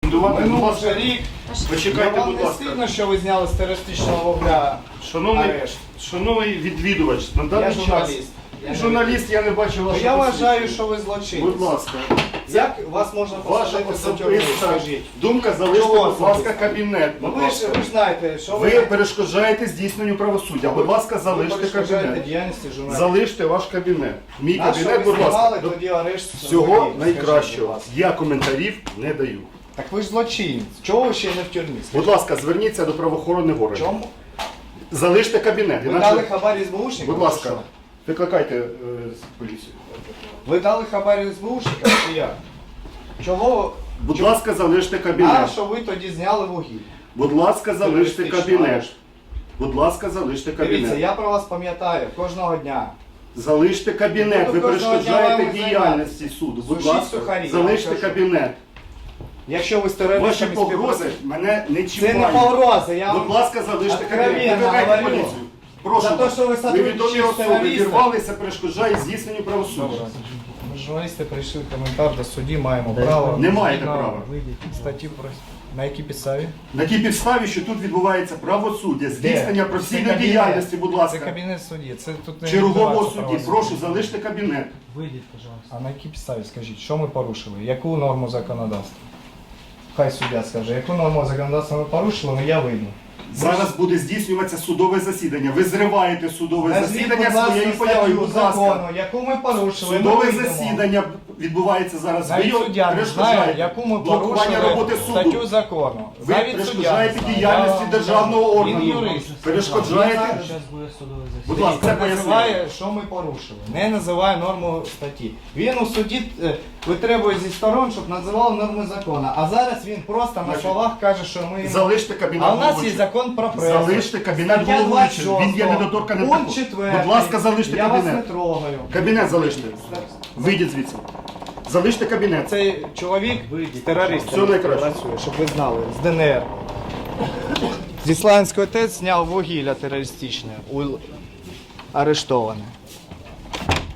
Минув вже рік. Почекайте, Вам будь не ласка. стидно, що ви зняли з терористичного вогня арешт? Шановний відвідувач, на Я даний час... журналіст. Журналіст, я не бачив вашого Я вважаю, посвідчення. що ви злочинець. Будь ласка. Як вас можна Ваша посадити за тюрму, особиста скажіть? думка, залиште, Чого будь ласка, особиста? кабінет. Ну Будь ви ласка. ж знаєте, що Ви перешкоджаєте здійсненню правосуддя. Будь ласка, ви залиште перешкоджаєте кабінет. діяльності журналістів. Залиште ваш кабінет. Мій На що кабінет, ви будь ласка. знімали тоді арешт? Всього водіїв? Скажіть, будь найкращого. ласка. Я коментарів не даю. Так ви ж злочинець. Чого ви ще не в тюрмі? Будь ласка, зверніться до правоохоронних органів. Чому? Залиште кабінет. Ви Іначе- дали хабар СБУшникам? Будь ласка, чи що? викликайте поліцію. Ви дали хабар СБУшникам чи як? Чого? Будь ласка, залиште А кабінет. що ви тоді зняли вугілля? Будь ласка, залиште Терористичний кабінет. арешт. Будь ласка, залиште Дивіться, кабінет. я про вас пам'ятаю кожного дня. Залиште кабінет. Буду Ви кожного дня перешкоджаєте вами діяльності суду. Будь Сушіть ласка, сухарі, я залиште вам кажу. кабінет. Якщо ви з Ваші терористами погрози співпрацюєте... мене не Це не чіпають. погрози, я Будь вам... ласка, залиште кабінет. Откровенно Викликайте говорю. поліцію. Прошу За те, вас. що ви сотрудничаєте Невідомі з особи терористами. вірвалися, перешкоджають здійсненню правосуддя. Ми журналісти прийшли коментар до судді, маємо право. Не маєте права. Статтю про... На якій підставі? На тій підставі, що тут відбувається правосуддя, здійснення Це професійної кабінет. діяльності, будь Це ласка. кабінет судді. Це тут не Чергового відбувається судді, правосуддя. прошу, залиште кабінет. Выйдите, пожалуйста. А на якій підставі, скажіть, що ми порушили? Яку норму законодавства? Хай суддя скаже, яку норму законодавства ми порушили, але я вийду. Зараз буде здійснюватися судове засідання. Ви зриваєте судове Назвіть, засідання будь ласка, своєю появою. статтю Будь ласка. закону, яку ми порушили, ми Судове вийдемо. засідання відбувається зараз. Ви Навіть його суддя не знає, перешкоджаєте. яку ми Блокування роботи порушили статтю суду. закону. Ви Навіть перешкоджаєте суддя не знає. діяльності Я вам державного кажу, органу. Він юрист. Перешкоджаєте. Сейчас будет судовое Будь заседание. ласка, це Він пояснення. називає, що ми порушили. Не називає норму статті. Він у суді витребує зі сторон, щоб називав норми закону. А зараз він просто на Значить, словах каже, що ми... Залиште кабінет. А у нас є головуючого. закон про пресу. Залиште кабінет Стаття головуючого. Він є 26, недоторканим. пункт також. 4. Будь ласка, залиште Я вас не кабінет. трогаю. Кабінет залиште. Вийдіть звідси. Залиште кабінет. Цей чоловік з терористами Все найкраще. працює, щоб ви знали, з ДНР. Зі Славянської ТЕЦ зняв вугілля терористичне, арештоване.